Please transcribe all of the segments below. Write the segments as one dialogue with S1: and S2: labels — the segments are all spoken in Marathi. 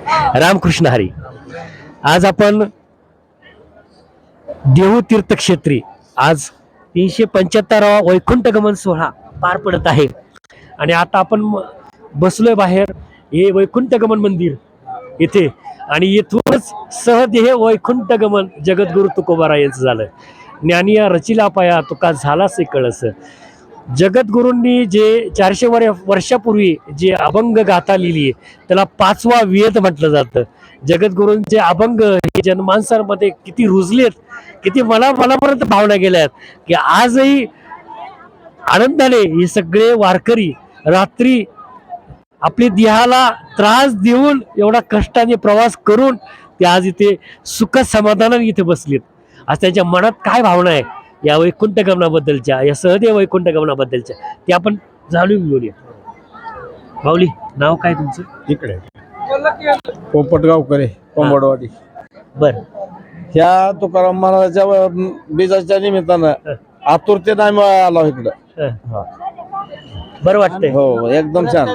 S1: रामकृष्ण हरी. आज आपण देहू तीर्थक्षेत्री आज 375वा वैकुंठ गमन सोहळा पार पडत आहे आणि आता आपण बसलोय बाहेर हे वैकुंठ गमन मंदिर इथे आणि येथूनच सहदेह वैकुंठ गमन जगद्गुरु तुकोबाराय यांचं झालं. ज्ञानिया रचिला पाया तुका झालासे कळस. जगद्गुरूंनी जे 400 वर्षापूर्वी जे अभंग गाथा लिहिली त्याला 5वा वेद म्हटलं जातं. जगद्गुरूंचे अभंग हे जनमानसांमध्ये किती रुजलेत, किती मनापर्यंत भावना गेल्यात की आजही आनंदाने हे सगळे वारकरी रात्री आपली देहाला त्रास देऊन एवढा कष्टाने प्रवास करून ते आज इथे सुख समाधानाने इथे बसलेत. आज त्यांच्या मनात काय भावना आहे या वैकुंठ गमनाबद्दलच्या, या सहदेव वैकुंठ गमनाबद्दलच्या ते आपण जाणून घेऊया. माऊली, नाव काय तुमचं?
S2: इकडे पोपटगावकरे कोंबडवाडी.
S1: बर,
S2: ह्या तुकाराम महाराजाच्या बीजाच्या निमित्तानं आतुरतेने आम्ही आलो इकडं.
S1: बरं वाटतंय.
S2: हो, एकदम छान.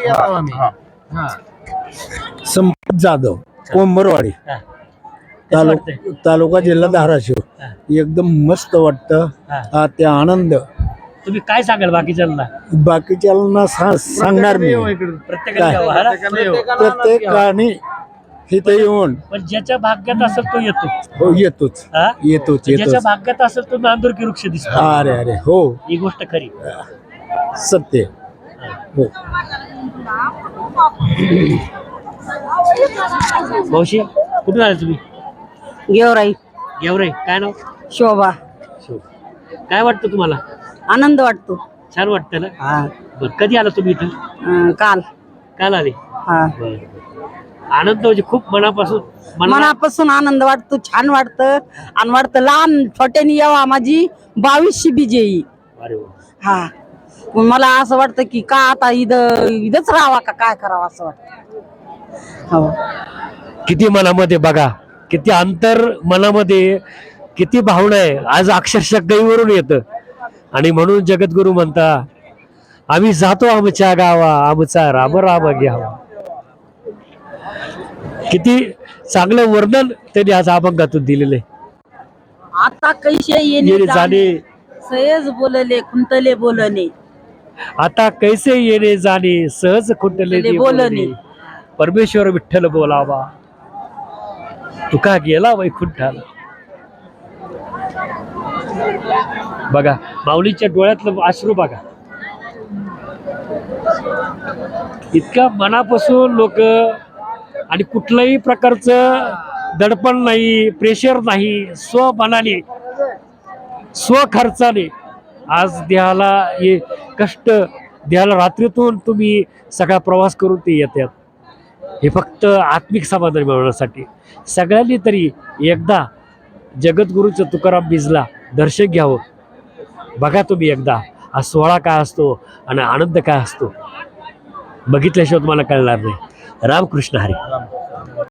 S3: संपत जाधव कोंबरवाडी तालुका जिल्हा धाराशिव. एकदम मस्त वाटतं. ते आनंद
S1: तुम्ही काय सांगाल बाकीच्यांना?
S3: बाकीच्यांना सांगणार मी. प्रत्येकाने इथे येऊन
S1: पण ज्याच्या भाग्यात असेल तो येतो.
S3: हो, येतोच
S1: हा?
S3: येतोच
S1: ज्याच्या
S3: येतोच.
S1: भाग्यात असेल तो नांदुरकी वृक्ष दिसतो.
S3: अरे अरे हो,
S1: ही गोष्ट खरी.
S3: सत्य हो.
S1: मावशी, कुठून आले तुम्ही?
S4: गेवराई
S1: गेवरे. काय नाव?
S4: शोभा.
S1: काय वाटतं तुम्हाला?
S4: आनंद वाटतो.
S1: छान वाटतं ना?
S4: हा.
S1: बरं, कधी आला तुम्ही इथं?
S4: काल.
S1: काल आले?
S4: हा.
S1: बरं. आनंद म्हणजे खूप मनापासून
S4: मनापासून आनंद वाटतो. छान वाटतं आणि वाटतं लहान छोट्यानी यावा माझी 22शी बीजे.
S1: अरे वा.
S4: हा. मग मला असं वाटतं की का आता इथंच राहावा का काय करावं असं वाटतं. हो.
S1: किती मनामध्ये बघा, किती अंतर मनामध्ये, किती भावना आहे. आज अक्षरशः गईवरून येतं आणि म्हणून जगद्गुरु म्हणता आम्ही जातो आमच्या गावा आमचा राम राम घ्यावा. किती चांगलं वर्णन त्यांनी आज अभंगातून दिलेलं आहे.
S4: आता कैसे
S1: येणे जाणे
S4: सहज बोलले खुंटले बोलणे.
S1: आता कैसे येणे जाणे सहज खुंटले बोलणे. परमेश्वर विठ्ठल बोलावा तुका गेला वैकुंठाला. बघा माऊलीच्या डोळ्यातलं अश्रू बघा. इतक्या मनापासून लोक आणि कुठल्याही प्रकारचं दडपण नाही, प्रेशर नाही, स्वमनाने स्वखर्चाने आज देहाला हे कष्ट, देहाला रात्रीतून तुम्ही सगळा प्रवास करून ते येतात. हे फक्त आत्मिक समाधान मिळवण्यासाठी. सगळ्यांनी तरी एकदा जगद्गुरूचं तुकाराम बीजला दर्शन घ्यावं. बघा तुम्ही एकदा हा सोहळा काय असतो आणि आनंद काय असतो. बघितल्याशिवाय तुम्हाला कळणार नाही. रामकृष्ण हरी.